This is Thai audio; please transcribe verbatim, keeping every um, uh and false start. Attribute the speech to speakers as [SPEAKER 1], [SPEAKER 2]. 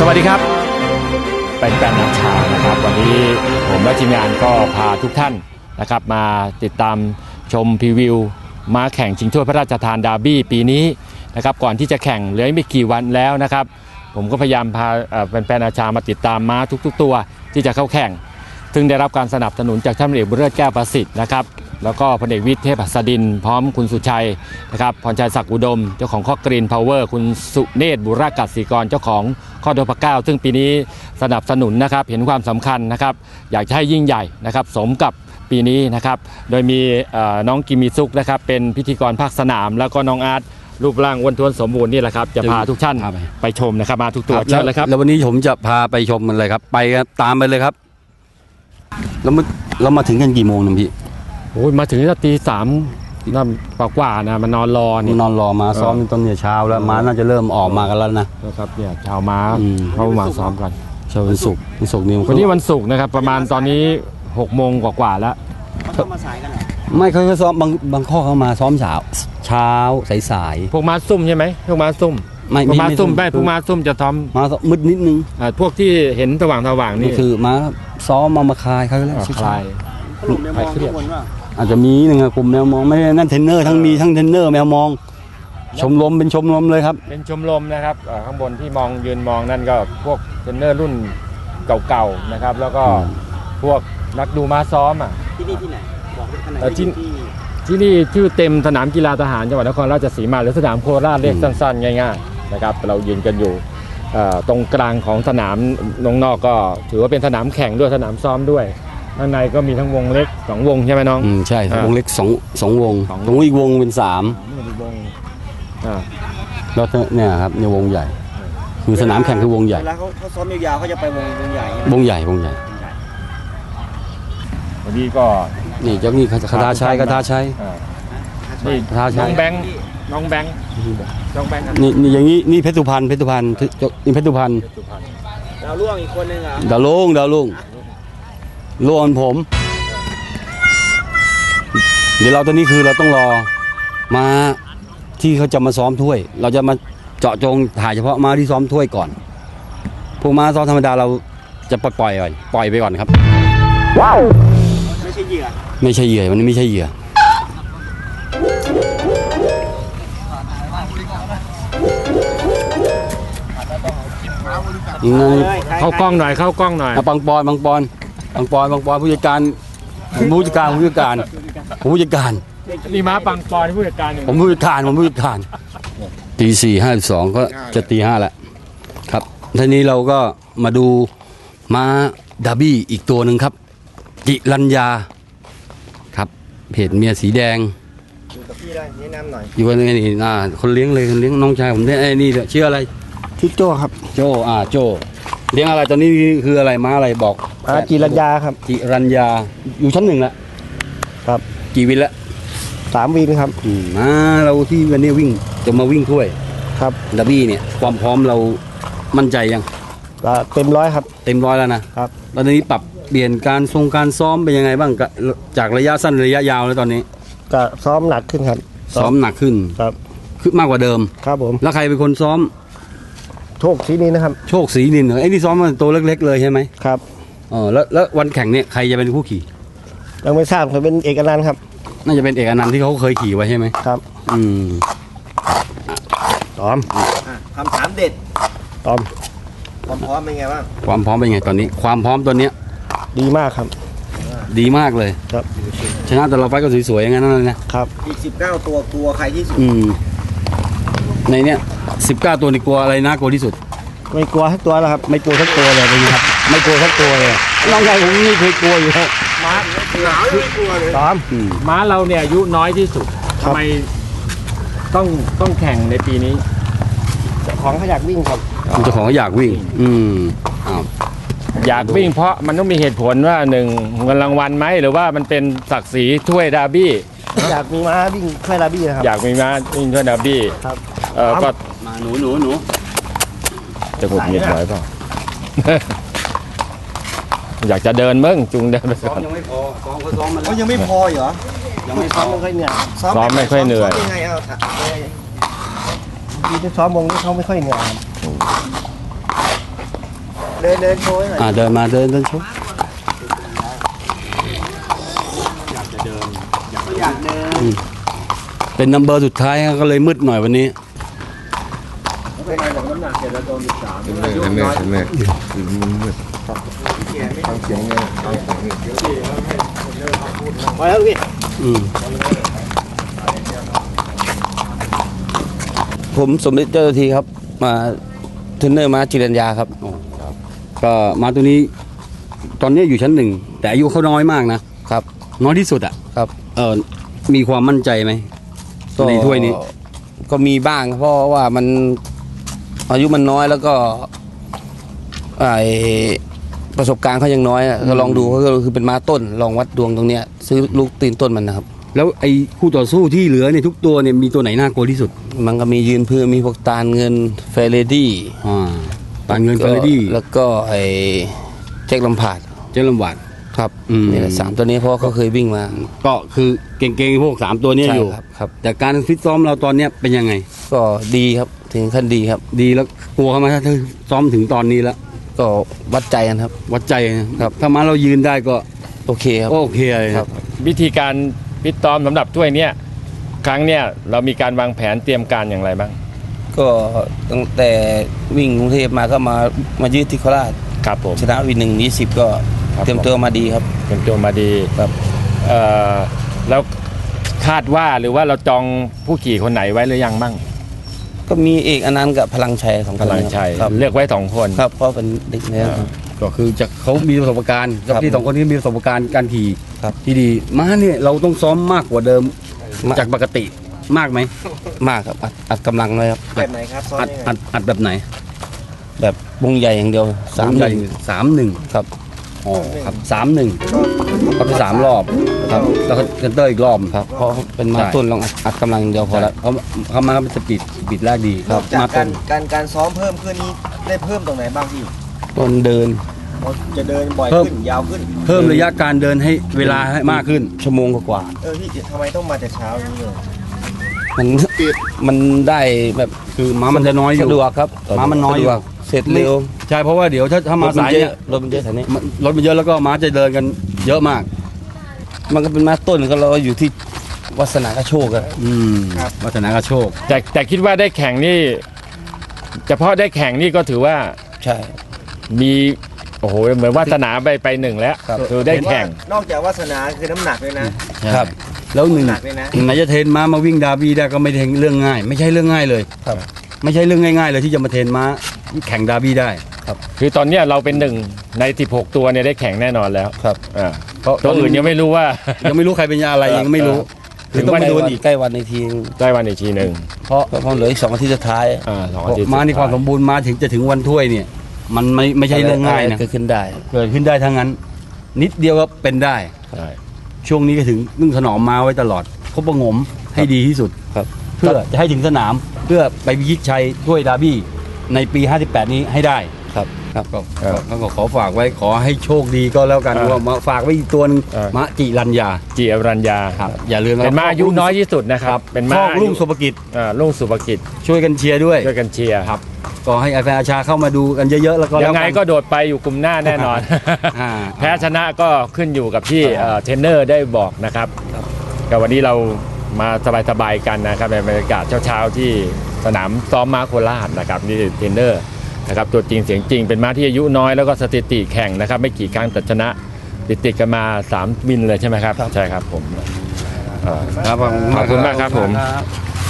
[SPEAKER 1] สวัสดีครับเป็นแฟนนักชานะครับวันนี้ผมและทีมงานก็พาทุกท่านนะครับมาติดตามชมพรีวิวม้าแข่งชิงถ้วยพระราชทานดาร์บี้ปีนี้นะครับก่อนที่จะแข่งเหลือไม่กี่วันแล้วนะครับผมก็พยายามพาแฟนๆอาชามาติดตามม้าทุกๆตัวที่จะเข้าแข่งซึ่งได้รับการสนับสนุนจากท่านพลเอกบุญเลิศแก้วประสิทธิ์นะครับแล้วก็พลเอกวิทย์เทพหัสดินพร้อมคุณสุชัยนะครับพรชัยศักดิ์อุดมเจ้าของข้อกรีนพาวเวอร์คุณสุเนศบุรกัศรีกรเจ้าของข้อโดพเก้าซึ่งปีนี้สนับสนุนนะครับเห็นความสำคัญนะครับอยากจะให้ยิ่งใหญ่นะครับสมกับปีนี้นะครับโดยมีน้องกิมิซุกนะครับเป็นพิธีกรภาคสนามแล้วก็น้องอาร์ตรูปร่างอ้วนท้วนสมบูรณ์นี่แหละครับจะพาทุกท่านไปชมนะครับมาทุกตัวเชิญเลยครับ
[SPEAKER 2] แล้ววันนี้ผมจะพาไปชมมันเลยครับไปตามไปเลยครับแล้วมันเรามาถึงกันกี่โมงนะพี่
[SPEAKER 1] โอ้ยมาถึงตั้งตีสามนั่นกว่าๆนะมันนอนรอนี่
[SPEAKER 2] นอนรอมาซ้อมตอนเนี่ยเช้าแล้วม้าน่าจะเริ่มออกมากันแล้วนะ
[SPEAKER 1] นะครับเนี่ยชาวม้าเข้ามาซ้อมกัน
[SPEAKER 2] เช้าวันศุกร์วันศุกร์นี่
[SPEAKER 1] วันนี้วันศุกร์นะครับประมาณตอนนี้หกโมงกว่าๆแล้ว
[SPEAKER 2] เขามาสายกันเหรอไม่เขาซ้อมบางบางข้อเขามาซ้อมเช้าเช้าสาย
[SPEAKER 1] ๆพวกม้าซุ่มใช่ไหมพวกม้าซุ่ม
[SPEAKER 2] ไม่
[SPEAKER 1] ม้าซุ่มไม่พวกม้าซุ่มจะท
[SPEAKER 2] ำม้ามืดนิดนึง
[SPEAKER 1] พวกที่เห็นสว่างสว่างนี่
[SPEAKER 2] คือม้าซ้อมมามาคลายเขาแล้ว
[SPEAKER 1] คลาย
[SPEAKER 2] คลายเครียดอาจจะมีหนึ่งกลุ่มแมวมองไม่นั่นเทรนเนอร์ทั้งมีทั้งเทรนเนอร์แมวมองชมรมเป็นชมรมเลยครับ
[SPEAKER 1] เป็นชมรมนะครับข้างบนที่มองยืนมองนั่นก็พวกเทรนเนอร์รุ่นเก่าๆนะครับแล้วก็พวกนักดูม้าซ้อมอ่ะ
[SPEAKER 3] ที่นี่ที่ไหนบอกได้ขนาด
[SPEAKER 1] ที่ที่นี่ชื่อเต็มสนามกีฬาทหารจังหวัดนครราชสีมาหรือสนามโคราชเรียกสั้นๆง่ายๆนะครับเรายืนกันอยู่ตรงกลางของสนามนอกก็ถือว่าเป็นสนามแข่งด้วยสนามซ้อมด้วยข้างในก็มีทั้งวงเล็กสองวงใช่ไหมน้อง
[SPEAKER 2] อืมใช่วงเล็กสองสองวงตรงอีกวงเป็นสามแล้วเนี่ยครับในวงใหญ่คือสนามแข่งคือวงใหญ่
[SPEAKER 3] เวลาเขาเขาซ้อมยาวๆเขาจะไปวงวงใหญ่
[SPEAKER 2] วงใหญ่วงใหญ่
[SPEAKER 1] วันนี้ก็
[SPEAKER 2] นี่เจ้านี่คาถาชัยคาถาชัย
[SPEAKER 1] นี่น้องแบงค์น้องแบงค์น้องแบงค์
[SPEAKER 2] นี่นี่อย่างนี้นี่เพชรสุพรรณเพชรสุพรรณนี่เพชรสุพรรณ
[SPEAKER 3] ดาวล่วงอีกคนนึงอ่ะ
[SPEAKER 2] ดาวลุงดาวลุงลวนผมเดี๋ยวเราตอนนี้คือเราต้องรอมาที่เขาจะมาซ้อมถ้วยเราจะมาเจาะจงถ่ายเฉพาะมาที่ซ้อมถ้วยก่อนพวกมาซ้อมธรรมดาเราจะปล่อยปล่อยก่อนปล่อยไปก่อนครับ
[SPEAKER 3] ว้าวไม่ใช่เหยื่อ
[SPEAKER 2] ไม่ใช่เหยื่อวันนี้ไม่ใช่เหยื่อ
[SPEAKER 1] เข้ากล้องหน่อยเข้ากล้องหน่อย
[SPEAKER 2] บางปอนบางปอนบางปอนบางปอนผู้จัดการผู้จัดการผู้จัดการผู้จัดการ
[SPEAKER 1] นี่ม้าปังปอนผู้จัดการ
[SPEAKER 2] ผมผู้จัดการผมผู้จัดการตีสี่ห้าสิบสองก็จะตีห้าแล้วครับทีนี้เราก็มาดูม้าดาร์บี้อีกตัวหนึ่งครับจิรัญญาครับเพจเมียสีแดง
[SPEAKER 3] อยู่กับพี่ได้แนะนำหน่อย
[SPEAKER 2] อยู่กันนี่น่าคนเลี้ยงเลยคนเลี้ยงน้องชายผมเนี่ยไอ้นี่ชื่ออะไร
[SPEAKER 3] ชื่อโจ้ครับ
[SPEAKER 2] โจ้อ่าโจ้เลี้ยงอะไรตอนนี้คืออะไรม้าอะไรบอก
[SPEAKER 3] ม้าจิรัญญาครับ
[SPEAKER 2] จิรัญญาอยู่ชั้นหนึ่งแล้ว
[SPEAKER 3] ครับ
[SPEAKER 2] กี่วินแล้ว
[SPEAKER 3] สามวินครับ
[SPEAKER 2] อืมมาเราที่วันนี้วิ่งจะมาวิ่งถ้วย
[SPEAKER 3] ครับ
[SPEAKER 2] ดาร์บี้เนี่ยความพร้อมเรามั่นใจยัง
[SPEAKER 3] เต็มร้อยครับ
[SPEAKER 2] เต็มร้อยแล้วนะครับตอนนี้ปรับเปลี่ยนการทรงการซ้อมเป็นยังไงบ้างจากระยะสั้นระยะยาวแล้วตอนนี้
[SPEAKER 3] ก็ซ้อมหนักขึ้นครับ
[SPEAKER 2] ซ้อมหนักขึ้น
[SPEAKER 3] ครับ
[SPEAKER 2] คือมากกว่าเดิม
[SPEAKER 3] ครับผม
[SPEAKER 2] แล้วใครเป็นคนซ้อม
[SPEAKER 3] โชคศรีนินนะครับ
[SPEAKER 2] โชคศรีนินเหรอไอ้นี่ซ้อมมันตัวเล็กๆเลยใช่ไหม
[SPEAKER 3] ครับ
[SPEAKER 2] อ๋อแล้วแล้ววันแข่งเนี่ยใครจะเป็นผู้ขี่
[SPEAKER 3] ยังไม่ทราบเขาเป็นเอกอนันต์ครับ
[SPEAKER 2] น่าจะเป็นเอกอนันต์ที่เขาเคยขี่ไว้ใช่ไหม
[SPEAKER 3] ครับ
[SPEAKER 2] อืม
[SPEAKER 3] ตอม
[SPEAKER 4] คำถามเด็ด
[SPEAKER 3] ตอม
[SPEAKER 4] ความพร้อมเป็นไงบ้าง
[SPEAKER 2] ความพร้อมเป็นไงตอนนี้ความพร้อมตัวเนี้ย
[SPEAKER 3] ดีมากครับ
[SPEAKER 2] ดีมากเลย
[SPEAKER 3] ครับ
[SPEAKER 2] ชนะแต่เราไฟก็สวยๆอย่างนั้นเลย
[SPEAKER 3] นะครับ
[SPEAKER 4] อีกสิบเก้าตัวกลัวใครที่สุด
[SPEAKER 2] อืมในเนี้ยสิบเก้าตัวนี่กลัวอะไรน่ากลัวที่สุด
[SPEAKER 3] ไม่กลัวทักตัวแล้วครับ
[SPEAKER 2] ไม่กลัวทักตัวเลยนะครับไม่กลัวทักตัวเลยน้องชายผมนี่เคยกลัวอยู่แล้ว
[SPEAKER 1] ม้า
[SPEAKER 4] หนาวไม่กลัวเลย
[SPEAKER 3] ตอม
[SPEAKER 1] ม้าเราเนี่ยอายุน้อยที่สุดทำไมต้องต้องแข่งในปีนี้
[SPEAKER 3] เจ้าของเขาอยากวิ่งครับ
[SPEAKER 2] เจ้าของเขาอยากวิ่งอืมอ้าว
[SPEAKER 1] อยากวิ่งเพราะมันต้องมีเหตุผลว่าหนึ่งเงินรางวัลไหมหรือว่ามันเป็นศักดิ์ศรีถ้วยดาร์บี้
[SPEAKER 3] อยากมีม้าวิ่งถ้วยดาร์บี้ครับ
[SPEAKER 1] อยากมีม้าวิ่งถ้วยดาร์บี้
[SPEAKER 3] ครับ
[SPEAKER 1] เออก็
[SPEAKER 2] มาหนูหนูหนู
[SPEAKER 1] จะกดเงียบไว้เปล่าอยากจะเดินมึงจุงเดินไปก่อน
[SPEAKER 2] ยังไม่พอซ้อมเขาซ้อมมัน
[SPEAKER 4] เขายังไม่พอเหรอ
[SPEAKER 3] ยังไม่ซ้อมไม่ค่อยเหนื่อย
[SPEAKER 1] ซ้อมไม่ค่อยเหนื่อย
[SPEAKER 4] ยังไงเอา
[SPEAKER 3] ที่ซ้อมวงนี้เขาไม่ค่อยเหนื่อย
[SPEAKER 4] เดินเดินโชว์ให้หน่อย
[SPEAKER 2] อ่าเดินมาเดินเดินชม
[SPEAKER 4] อยากเดิน
[SPEAKER 2] เป็นนัมเบอร์สุดท้ายก็เลยมืดหน่อยวันนี้
[SPEAKER 4] เป็นไงบอกน้ำหนักเจ็ดแล้วโดนสิบสาม
[SPEAKER 5] เห็นไหมเห็นไหมเห็นไหมคือมันมืดฟังเสียงไงฟังเสียงนี่
[SPEAKER 3] ไปแล้วพี่
[SPEAKER 2] อืม
[SPEAKER 6] ผมสมเด็จเจ้าหน้าที่ครับมาเทรนเนอร์มาจิรัญญาครับ
[SPEAKER 2] ก็มาตัวนี้ ตอนนี้อยู่ชั้นหนึ่งแต่อายุเขาน้อยมากนะครับ น้อยที่สุดอ่ะ
[SPEAKER 6] ครับ
[SPEAKER 2] เออมีความมั่นใจไหมในถ้วยนี้
[SPEAKER 6] ก็มีบ้างเพราะว่ามันอายุมันน้อยแล้วก็ไอประสบการณ์เขายังน้อยอะก็ลองดูก็คือเป็นม้าต้นลองวัดดวงตรงเนี้ยซื้อลูกตีนต้นมันนะครับ
[SPEAKER 2] แล้วไอ้คู่ต่อสู้ที่เหลือเนี่ยทุกตัวเนี่ยมีตัวไหนน่ากลัวที่สุด
[SPEAKER 6] มันก็มียืนพื้นมีพวกตาลเงินเฟรดี้
[SPEAKER 2] อ่าปานเงินเฟรดี้
[SPEAKER 6] แล้วก็ไอแจ็คลำพาด
[SPEAKER 2] เจลลำบาด
[SPEAKER 6] ครับ
[SPEAKER 2] อืม
[SPEAKER 6] นี่แหละสามตัวนี้เพราะว่าเขาเคยวิ่งมา
[SPEAKER 2] ก็คือเก่งๆพวกสามตัวเนี้ย
[SPEAKER 6] ใช่
[SPEAKER 2] อยู่
[SPEAKER 6] ครับครับ
[SPEAKER 2] แต่การฟิตซ้อมเราตอนเนี้ยเป็นยังไง
[SPEAKER 6] ก็ดีครับถึงขั้นดีครับ
[SPEAKER 2] ดีแล้วกลัวเขาไหมถ้าซ้อมถึงตอนนี้แล้ว
[SPEAKER 6] ก็วัดใจกันครับ
[SPEAKER 2] วัดใจนะครับถ้ามาเรายืนได้ก็
[SPEAKER 6] โอเคครับ
[SPEAKER 2] โอเคเลย
[SPEAKER 6] ครับ
[SPEAKER 1] วิธีการฟิตซ้อมสำหรับถ้วยเนี้ยครั้งเนี้ยเรามีการวางแผนเตรียมการอย่างไรบ้าง
[SPEAKER 6] ก็ตั้งแต่วิ่งกรุงเทพมาก็มามายืดที่โคราช
[SPEAKER 1] ครับผม
[SPEAKER 6] ชนะวินหนึ่งยี่สิบก็
[SPEAKER 1] ครับ
[SPEAKER 6] เตรียมตัวมาดีครับ
[SPEAKER 1] เตรียมตัวมาดีครับเอ่อแล้วคาดว่าหรือว่าเราจองผู้ขี่คนไหนไว้หรือยังบ้าง
[SPEAKER 6] ก็มีเอกอนันต์กับพลังชัยสอง
[SPEAKER 1] พ
[SPEAKER 6] คน
[SPEAKER 1] ลังชัย
[SPEAKER 6] ครับ
[SPEAKER 1] เลือกไว้สองคน
[SPEAKER 6] ครับเพราะเป็นเด็กเนี่ย
[SPEAKER 1] อ่า
[SPEAKER 2] ก็คือจากเขามีประสบการณ์กับ
[SPEAKER 6] ครับ
[SPEAKER 2] ที่สองคนนี้มีประสบการณ์การขี่
[SPEAKER 6] ครับ
[SPEAKER 2] ที่ดีม้าเนี่ยเราต้องซ้อมมากกว่าเดิม
[SPEAKER 6] มาก
[SPEAKER 2] จากปกติมากไหม
[SPEAKER 6] มากครับอัดอัดกำลังเลยครับ
[SPEAKER 4] แบบไหนครับซ้อม
[SPEAKER 2] อัด
[SPEAKER 4] ยังไง
[SPEAKER 2] อัดอัดแบบไหน
[SPEAKER 6] แบบวงใหญ่อย่างเดียวสาม
[SPEAKER 2] ใหญ่
[SPEAKER 6] หนึ่ง
[SPEAKER 2] สามหนึ่ง
[SPEAKER 6] ครับ
[SPEAKER 2] อ๋อครับสามหนึ่ง
[SPEAKER 4] ก็
[SPEAKER 2] เขาไปสามรอบครับแล้วก็เซนเตอร์อีกรอบ
[SPEAKER 6] ครับเพราะเป็นมา
[SPEAKER 2] ใช่
[SPEAKER 6] ต้นลองอัดอัดกำลังอย่างเดียวพอ
[SPEAKER 2] พอ
[SPEAKER 6] แล้
[SPEAKER 2] แล้ว วเขาเขามาเป็นสปีดสปีดแรกดี
[SPEAKER 4] นอกจาก
[SPEAKER 2] มา
[SPEAKER 4] การ
[SPEAKER 2] ต้น
[SPEAKER 4] การการซ้อมเพิ่มขึ้นนี้ได้เพิ่มตรงไหนบ้างพี่
[SPEAKER 6] ต้นเดิน
[SPEAKER 4] เราจะเดินบ่อยขึ้นยาวขึ้น
[SPEAKER 2] เพิ่มระยะการเดินให้เวลาให้มากขึ้น
[SPEAKER 6] ชั่วโมงกว่า
[SPEAKER 4] เออพี่ทำไมต้องมาแต่เช้าอย่างนี้เลย
[SPEAKER 6] ๆมันมันได้แบบ
[SPEAKER 2] คือม้ามันจะน้อยอยู่
[SPEAKER 6] สะดวกครับ
[SPEAKER 2] ม้ามันน้อยอยู่
[SPEAKER 6] สะดวกเสร็จเร็ว
[SPEAKER 2] ใช่เพราะว่าเดี๋ยวถ้าถ้ามาสายเนี่ย
[SPEAKER 6] รถมันเยอะแถวนี้
[SPEAKER 2] มันรถมันเยอะแล้วก็ม้าจะเดินกันเยอะมาก
[SPEAKER 6] มันก็เป็นมาต้นก็เราอยู่ที่วาสนากระโชกอะ
[SPEAKER 2] อืมวัฒนากระโชค
[SPEAKER 1] แต่แต่คิดว่าได้แข่งนี่เฉพาะได้แข่งนี่ก็ถือว่า
[SPEAKER 6] ใช่
[SPEAKER 1] มีโอ้โหเหมือนวาสนาไปไปหนึ่งแล้ว
[SPEAKER 6] ครับ
[SPEAKER 1] คือได้แข่ง
[SPEAKER 4] เห็นว่านอกจากวาสนาคือน้ำหนักเลยนะ
[SPEAKER 6] ครับ
[SPEAKER 2] แล้วหนึ่ง
[SPEAKER 4] หนักเลยนะ
[SPEAKER 2] ไหนจะเทรนม้ามาวิ่งดาร์บี้ได้ก็ไม่ใช่เรื่องง่าย ไม่ใช่เรื่องง่ายเลย
[SPEAKER 6] ครับ
[SPEAKER 2] ไม่ใช่เรื่องง่ายๆเลยที่จะมาเทรนม้าแข่งดาร์บี้ได้
[SPEAKER 1] คือตอนเนี้ยเราเป็นหนึ่งในสิบหกตัวเนี่ยได้แข่งแน่นอนแล้ว
[SPEAKER 6] ครับ
[SPEAKER 1] อ่าตัวอื่นยังไม่รู้ว่า
[SPEAKER 2] ยังไม่รู้ใครเป็นยาอะไรยังไม่รู้
[SPEAKER 1] ถึง
[SPEAKER 2] ต้อง
[SPEAKER 1] วัน
[SPEAKER 2] มา
[SPEAKER 6] ใกล้
[SPEAKER 2] ดู
[SPEAKER 6] วัน
[SPEAKER 2] อีก
[SPEAKER 6] ใกล้วันในที
[SPEAKER 1] ได้วันอีกทีหนึ่ง
[SPEAKER 2] เพราะ
[SPEAKER 6] ก็เพราะเหลืออีกสองอาทิตย์สุดท้าย
[SPEAKER 1] อ่าสองอาทิตย์
[SPEAKER 2] ม้านี่ความสมบูรณ์มาถึงจะถึงวันถ้วยเนี่ย มันไม่ไม่ใช่เรื่องง่ายนะ
[SPEAKER 6] เกิดขึ้นได้
[SPEAKER 2] เกิดขึ้นได้ทั้งนั้น นิดเดียวก็เป็นได้
[SPEAKER 1] ใช่
[SPEAKER 2] ช่วงนี้ก็ถึงนึ่งถนอมม้าไว้ตลอดคบประหงมให้ดีที่สุด
[SPEAKER 6] ครับ
[SPEAKER 2] เพื่อจะให้ถึงสนามเพื่อไปพิชิตชัยถ้วยดาร์บี้ในปีห้าสิบแปดนี้ให้ได้
[SPEAKER 6] ครับครับ
[SPEAKER 2] ก็ก็ก็ขอฝากไว้ขอให้โชคดีก็แล้วกันว่ามาฝากไว้อีกตัวหนึงมะจิรัญญา
[SPEAKER 1] จีอรัญญา
[SPEAKER 2] ครับอย่าลืมะ
[SPEAKER 1] เป็นม้าอายุน้อยที่สุดนะครับ เป็น
[SPEAKER 2] พ่
[SPEAKER 1] ม้า
[SPEAKER 2] อลุงสุภกิจ
[SPEAKER 1] อ่าลุงสุภกิจ
[SPEAKER 2] ช่วยกันเชียร์ด้วย
[SPEAKER 1] ช่วยกันเชียร์
[SPEAKER 2] ครับก็ให้แฟนอาชาเข้ามาดูกันเยอะๆแล้วก็
[SPEAKER 1] ยั
[SPEAKER 2] แล้ว
[SPEAKER 1] งไง
[SPEAKER 2] กัน
[SPEAKER 1] ก็โดดไปอยู่กลุ่มหน้าแน่นอน
[SPEAKER 2] อ่า
[SPEAKER 1] แพ้ชนะก็ขึ้นอยู่กับที่เอ่อเทรนเนอร์ได้บอกนะครับแต่วันนี้เรามาสบายๆกันนะครับในบรรยากาศเช้าๆที่สนามซ้อมม้าโคราชนะครับนี่เทรนเนอร์นะครับตัวจริงเสียงจริงเป็นม้าที่อายุน้อยแล้วก็สถิติแข่งนะครับไม่กี่ครั้งแต่ชนะติดติดๆกันมาสามวินเลยใช่ไหมครับใช่ครับผมเอ่อ
[SPEAKER 2] ครับ
[SPEAKER 1] ขอบคุณมากครับผม
[SPEAKER 2] ครับ